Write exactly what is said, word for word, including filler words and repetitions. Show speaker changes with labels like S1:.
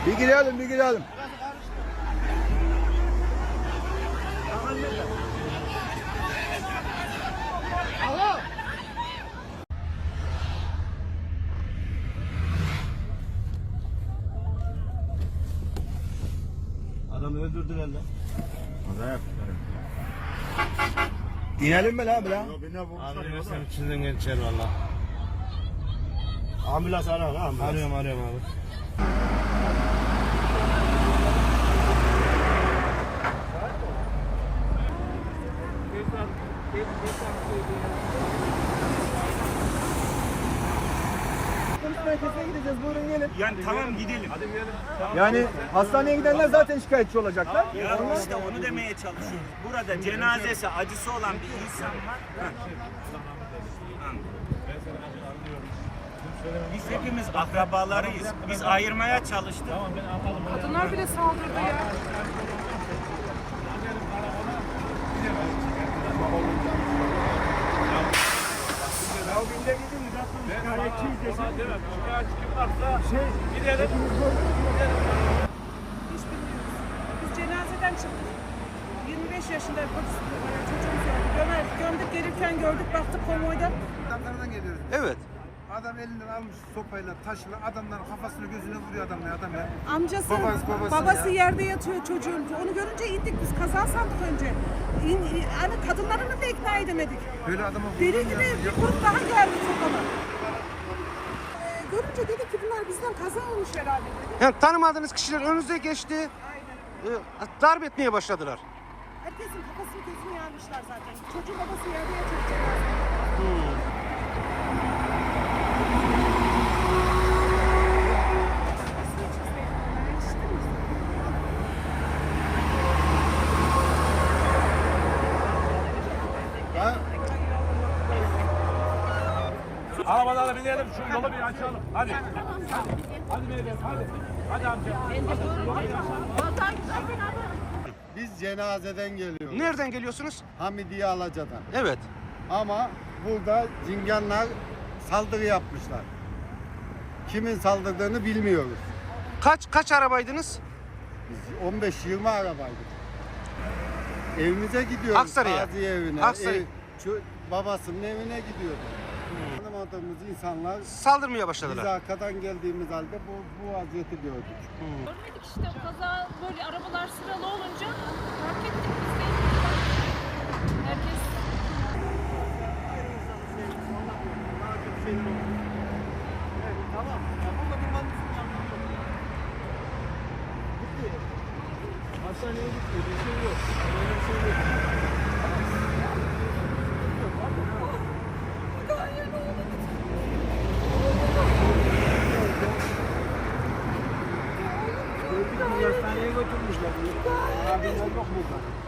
S1: Bir girelim, bir girelim.
S2: Adamı öldürdüler lan.
S1: Kaza yaptılar. İnelim mi lan lan?
S2: Abi sen içinden geçer valla. Ambulans ara lan ambulans. Arıyorum arıyorum abi.
S1: Merkezine gideceğiz. Buyurun gelin.
S3: Yani tamam gidelim. Hadi gidelim.
S1: Yani hastaneye gidenler zaten şikayetçi olacaklar.
S3: Ya işte onu demeye çalışıyoruz. Burada cenazesi acısı olan bir insan var. Biz hepimiz akrabalarıyız. Biz ayırmaya çalıştık.
S4: Kadınlar bile saldırdı ya.
S3: Ya günde gidin şikayetçiyiz desin. Şikayetçi varsa şey gidelim.
S4: Hiç bilmiyoruz. Biz cenazeden çıktık. yirmi beş yaşında polis çocuğumuz oldu. Gömer, gömdük gelirken gördük baktık konvoyda.
S5: Adamlardan geliyoruz.
S1: Evet.
S5: Adam elinden almış sopayla, taşla adamların kafasını gözüne vuruyor adam ya adam ya.
S4: Amcası,
S5: Babası, babası
S4: babası
S5: ya.
S4: yerde yatıyor çocuğun. Onu görünce indik biz kaza sandık önce. İn, in, hani kadınlarını da ikna edemedik.
S5: Böyle adama
S4: Deli
S5: vurulur
S4: gibi
S5: ya.
S4: bir grup daha geldi sokana. Ee, görünce dedik ki bunlar bizden kaza olmuş herhalde dedik.
S6: Yani tanımadığınız kişiler önünüze geçti,
S4: Aynen.
S6: e, darp etmeye başladılar.
S4: Herkesin kafasını gözünü yarmışlar zaten. Çocuğun babası yerde yatıyor cenazede.
S2: Arabalara binelim şu yolu bir açalım. Hadi. Hadi. Hadi beyefendi hadi. Hadi amca.
S7: Biz cenazeden geliyoruz.
S6: Nereden geliyorsunuz?
S7: Hamidiye Alaca'dan.
S6: Evet.
S7: Ama burada cinganlar saldırı yapmışlar. Kimin saldırdığını bilmiyoruz.
S6: Kaç kaç arabaydınız?
S7: Biz on beş yirmi arabaydık. Evimize gidiyoruz.
S6: Aksaray'a.
S7: Gazi evine.
S6: Aksaray.
S7: Ev, şu babasının evine gidiyorduk. Tanımadığımız insanlar
S6: Saldırmaya
S7: biz
S6: başladılar.
S7: arkadan geldiğimiz halde bu, bu vaziyeti gördük.
S8: Görmedik işte kaza böyle arabalar sıralı olunca fark ettik biz de. Herkes
S2: Hastaneye gitti. Bir şey yok. Öyle bir şey yok. Gördük mü hastaneye götürmüşler. Abimler yok burada.